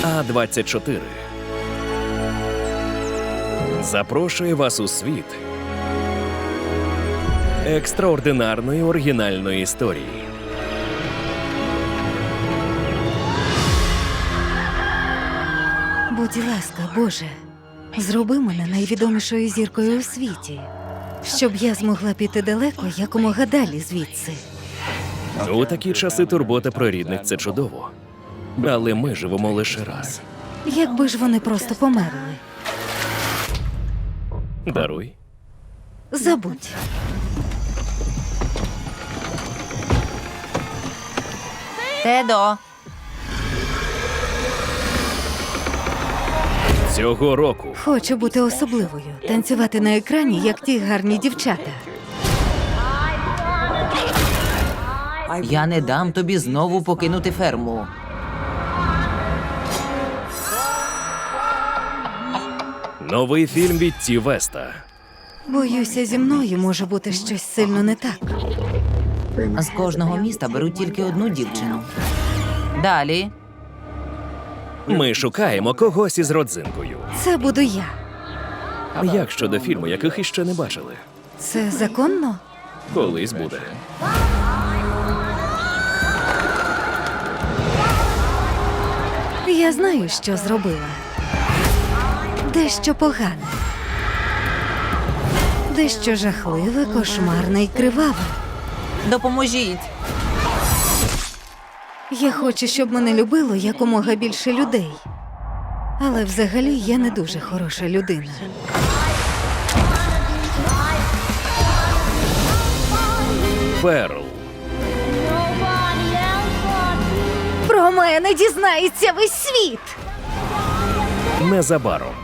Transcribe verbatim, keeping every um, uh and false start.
А двадцять чотири запрошує вас у світ екстраординарної оригінальної історії. Будь ласка, Боже, зроби мене найвідомішою зіркою у світі, щоб я змогла піти далеко, якомога далі звідси. У такі часи турбота про рідних – це чудово. Але ми живемо лише раз. Якби ж вони просто померли. Даруй. Забудь. Тедо, Цього року Хочу бути особливою, танцювати на екрані, як ті гарні дівчата. я не дам тобі знову покинути ферму. новий фільм від Ті Веста. Боюся, зі мною може бути щось сильно не так. З кожного міста беруть тільки одну дівчину. Далі. Ми шукаємо когось із родзинкою. Це буду я. Як щодо фільму, яких іще не бачили? Це законно? Колись буде. Я знаю, що зробила. Дещо погане. Дещо жахливе, кошмарне і криваве. Допоможіть. Я хочу, щоб мене любило якомога більше людей. Але взагалі я не дуже хороша людина. Перл. Про мене дізнається весь світ! Незабаром.